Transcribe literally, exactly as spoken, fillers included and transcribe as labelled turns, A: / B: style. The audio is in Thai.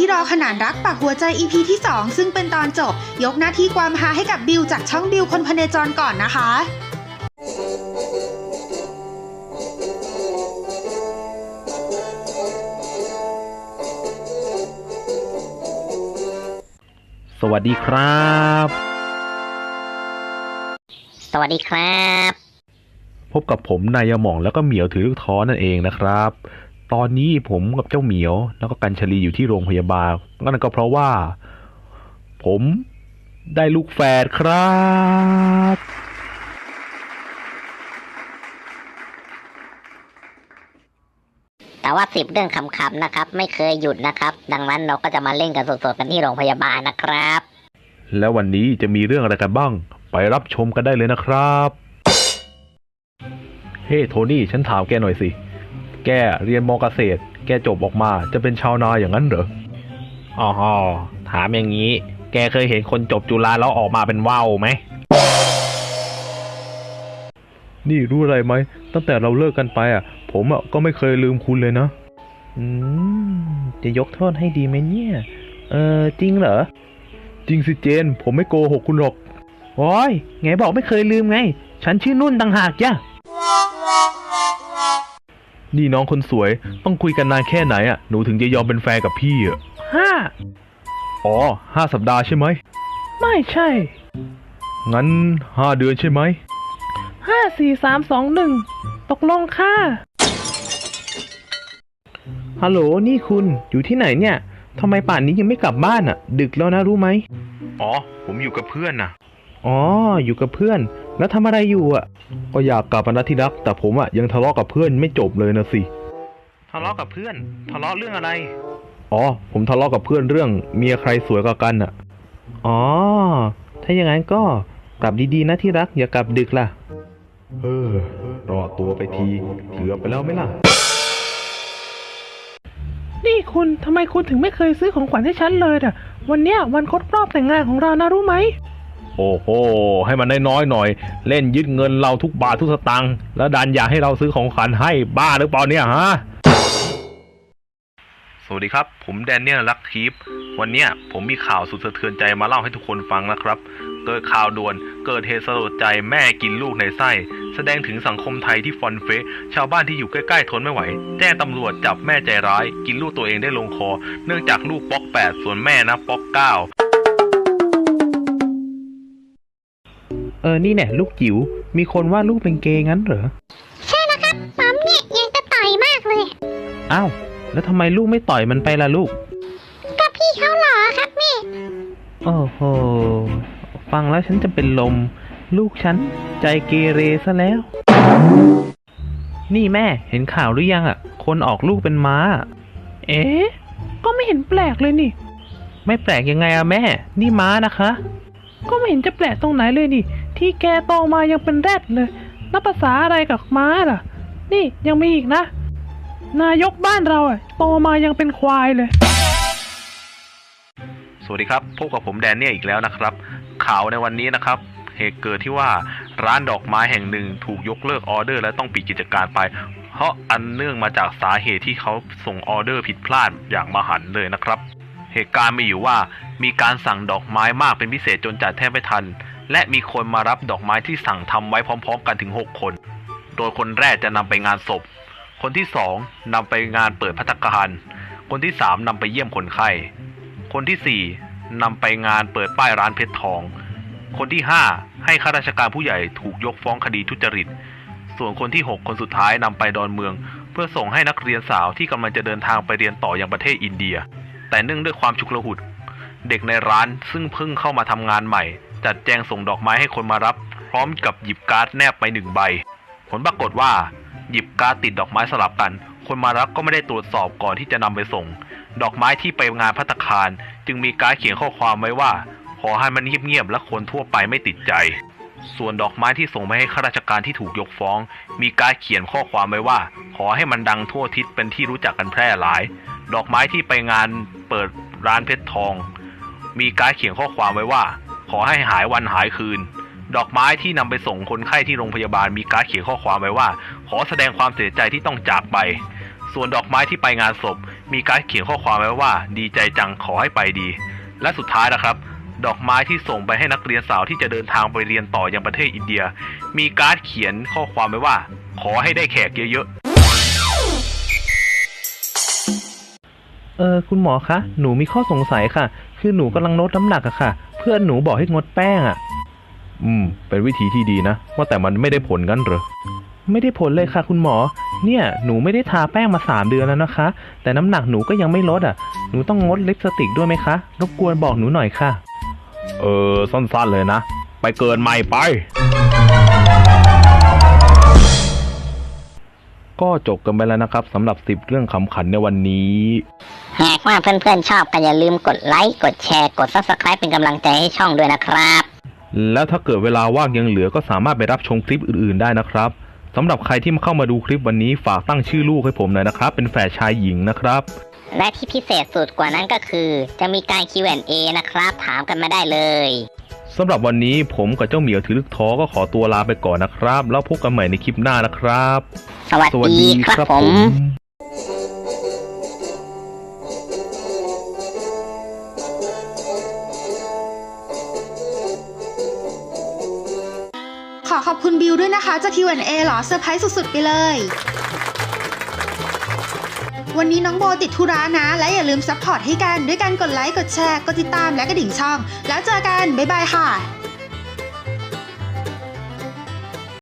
A: ที่รอขนานรักปักหัวใจ อี พี ที่สองซึ่งเป็นตอนจบยกหน้าที่ความฮาให้กับบิวจากช่องบิวคนพเนจรก่อนนะคะ
B: สวัสดีครับ
C: สวัสดีครับ
B: พบกับผมนายหม่องแล้วก็เหมียวถือลูกท้อนั่นเองนะครับตอนนี้ผมกับเจ้าเหมียวแล้วก็กัญชลีอยู่ที่โรงพยาบาลนั่นก็เพราะว่าผมได้ลูกแฝดครับ
C: แต่ว่าสิบเรื่องขำๆนะครับไม่เคยหยุดนะครับดังนั้นเราก็จะมาเล่นกันสดๆกันที่โรงพยาบาลนะครับ
B: แล้ววันนี้จะมีเรื่องอะไรกันบ้างไปรับชมกันได้เลยนะครับเฮ้ hey, โทนี่ฉันถามแกหน่อยสิแกเรียนม.เกษตรแกจบออกมาจะเป็นชาวนาอย่างนั้นเหรออ๋อถามอย่างนี้แกเคยเห็นคนจบจุฬาแล้วออกมาเป็นว่าวไหมนี่รู้อะไรไหมตั้งแต่เราเลิกกันไปอ่ะผมอ่ะก็ไม่เคยลืมคุณเลยนะอืมจะยกโทษให้ดีไหมเนี่ยเออจริงเหรอจริงสิเจนผมไม่โกหกคุณหรอกโอ้ยไงบอกไม่เคยลืมไงฉันชื่อนุ่นต่างหากจ้ะนี่น้องคนสวยต้องคุยกันนานแค่ไหนอ่ะหนูถึงจะยอมเป็นแฟนกับพี่อ่ะห้าอ๋อห้าสัปดาห์ใช่ไหมไม่ใช่งั้นห้าเดือนใช่ไหมห้าสี่สามสองหนึ่งตกลงค่ะฮัลโหลนี่คุณอยู่ที่ไหนเนี่ยทำไมป่านนี้ยังไม่กลับบ้านอ่ะดึกแล้วนะรู้ไหมอ๋อผมอยู่กับเพื่อนน่ะอ๋ออยู่กับเพื่อนแล้วทำอะไรอยู่อ่ะก็อยากกลับมานะที่รักแต่ผมอ่ะยังทะเลาะกับเพื่อนไม่จบเลยนะสิทะเลาะกับเพื่อนทะเลาะเรื่องอะไรอ๋อผมทะเลาะกับเพื่อนเรื่องเมียใครสวยกว่ากันอ่ะอ๋อถ้าอย่างนั้นก็กลับดีๆนะที่รักอย่ากลับดึกล่ะเออรอตัวไปทีเกือบไปแล้วไหมล่ะนี่คุณทำไมคุณถึงไม่เคยซื้อของขวัญให้ฉันเลยอ่ะวันเนี้ยวันครบรอบแต่งงานของเรานะรู้ไหมโอ้โหให้มันน้อยๆหน่อยเล่นยึดเงินเราทุกบาททุกสตางค์แล้วดันอยากให้เราซื้อของขวัญให้บ้าหรือเปล่าเนี่ยฮะสวัสดีครับผมแดเนียลลักคีฟวันเนี้ยผมมีข่าวสุดสะเทือนใจมาเล่าให้ทุกคนฟังนะครับเกิดข่าวด่วนเกิดเหตุสลดใจแม่กินลูกในไส้แสดงถึงสังคมไทยที่ฟอนเฟะชาวบ้านที่อยู่ใกล้ๆทนไม่ไหวแจ้งตำรวจจับแม่ใจร้ายกินลูกตัวเองได้ลงคอเนื่องจากลูกป๊อกแปดส่วนแม่นะป๊อกเก้าเออนี่แน่ลูกจิ๋วมีคนว่าลูกเป็นเกย์งั้นเหรอ
D: ใช่แล้วครับปั๊มเนี่ยยังจะต่อยมากเลย
B: อ้าวแล้วทำไมลูกไม่ต่อยมันไปล่ะลูก
D: ก็พี่เขาหล่อครับแม่
B: โอ้โหฟังแล้วฉันจะเป็นลมลูกฉันใจเกเรซะแล้วนี่แม่เห็นข่าวหรือยังอ่ะคนออกลูกเป็นม้าเอ๊ะก็ไม่เห็นแปลกเลยนี่ไม่แปลกยังไงอะแม่นี่ม้านะคะก็ไม่เห็นจะแปลกตรงไหนเลยนี่ที่แกโตมายังเป็นแรดเลยนับภาษาอะไรกับม้าล่ะนี่ยังมีอีกนะนายกบ้านเราอ่ะโตมายังเป็นควายเลยสวัสดีครับพบกับผมแดนเนี่ยอีกแล้วนะครับข่าวในวันนี้นะครับเหตุเกิดที่ว่าร้านดอกไม้แห่งหนึ่งถูกยกเลิกออเดอร์และต้องปิดกิจการไปเพราะอันเนื่องมาจากสาเหตุที่เขาส่งออเดอร์ผิดพลาดอย่างมหันต์เลยนะครับเหตุการณ์มีอยู่ว่ามีการสั่งดอกไม้มากเป็นพิเศษจนจัดแทบไม่ทันและมีคนมารับดอกไม้ที่สั่งทำไว้พร้อมๆกันถึงหกคนโดยคนแรกจะนำไปงานศพคนที่สองนำไปงานเปิดภัตตาคารคนที่สามนำไปเยี่ยมคนไข้คนที่สี่นำไปงานเปิดป้ายร้านเพชรทองคนที่ห้าให้ข้าราชการผู้ใหญ่ถูกยกฟ้องคดีทุจริตส่วนคนที่หกคนสุดท้ายนำไปดอนเมืองเพื่อส่งให้นักเรียนสาวที่กำลังจะเดินทางไปเรียนต่อยังประเทศอินเดียแต่เนื่องด้วยความฉุกละหุกเด็กในร้านซึ่งเพิ่งเข้ามาทำงานใหม่จัดแจงส่งดอกไม้ให้คนมารับพร้อมกับหยิบการ์ดแนบไปหนึ่งใบผลปรากฏว่าหยิบการ์ดติดดอกไม้สลับกันคนมารับก็ไม่ได้ตรวจสอบก่อนที่จะนำไปส่งดอกไม้ที่ไปงานภัตตาคารจึงมีการ์ดเขียนข้อความไว้ว่าขอให้มันเงียบๆและคนทั่วไปไม่ติดใจส่วนดอกไม้ที่ส่งไปให้ข้าราชการที่ถูกยกฟ้องมีการ์ดเขียนข้อความไว้ว่าขอให้มันดังทั่วทิศเป็นที่รู้จักกันแพร่หลายดอกไม้ที่ไปงานเปิดร้านเพชรทองมีการ์ดเขียนข้อความไว้ว่าขอให้หายวันหายคืนดอกไม้ที่นำไปส่งคนไข้ที่โรงพยาบาลมีการ์ดเขียนข้อความไว้ว่าขอแสดงความเสียใจที่ต้องจากไปส่วนดอกไม้ที่ไปงานศพมีการ์ดเขียนข้อความไว้ว่าดีใจจังขอให้ไปดีและสุดท้ายนะครับดอกไม้ที่ส่งไปให้นักเรียนสาวที่จะเดินทางไปเรียนต่อยังประเทศอินเดียมีการ์ดเขียนข้อความไว้ว่าขอให้ได้แขกเยอะๆ
E: เออคุณหมอคะหนูมีข้อสงสัยค่ะคือหนูกำลังลดน้ำหนักอะค่ะเพื่อนหนูบอกให้งดแป้งอะอืมเป็นวิธีที่ดีนะว่าแต่มันไม่ได้ผลงั้นเหรอไม่ได้ผลเลยค่ะคุณหมอเนี่ยหนูไม่ได้ทาแป้งมาสามเดือนแล้วนะคะแต่น้ำหนักหนูก็ยังไม่ลดอ่ะหนูต้องงดลิปสติกด้วยไหมคะรบกวนบอกหนูหน่อยค่ะเออสั้นๆเลยนะไปเกินใหม่ไปก็จบกันไปแล้วนะครับสำหรับสิบเรื่องขำขันในวันนี้
C: หากว่าเพื่อนๆชอบก็อย่าลืมกดไลค์กดแชร์กด ซับสไครบ์ เป็นกำลังใจให้ช่องด้วยนะครับ
E: แล้วถ้าเกิดเวลาว่างยังเหลือก็สามารถไปรับชมคลิปอื่นๆได้นะครับสำหรับใครที่มาเข้ามาดูคลิปวันนี้ฝากตั้งชื่อลูกให้ผมหน่อยนะครับเป็นแฝดชายหญิงนะครับ
C: และที่พิเศษสุดกว่านั้นก็คือจะมีการ คิว แอนด์ เอ นะครับถามกันมาได้เลย
E: สำหรับวันนี้ผมกับเจ้าเหมียวถือลึกท้อก็ขอตัวลาไปก่อนนะครับแล้วพบกันใหม่ในคลิปหน้านะครับ
C: สวัสดีครับผม
A: ขอขอบคุณบิวด้วยนะคะจาก คิว แอนด์ เอ เหรอเซอร์ไพรส์สุดๆไปเลยวันนี้น้องโบติดธุระนะและอย่าลืมซัพพอร์ตให้กันด้วยการกดไลค์กดแชร์กดติดตามและกระดิ่งช่องแล้วเจอกันบ๊ายบายค่ะ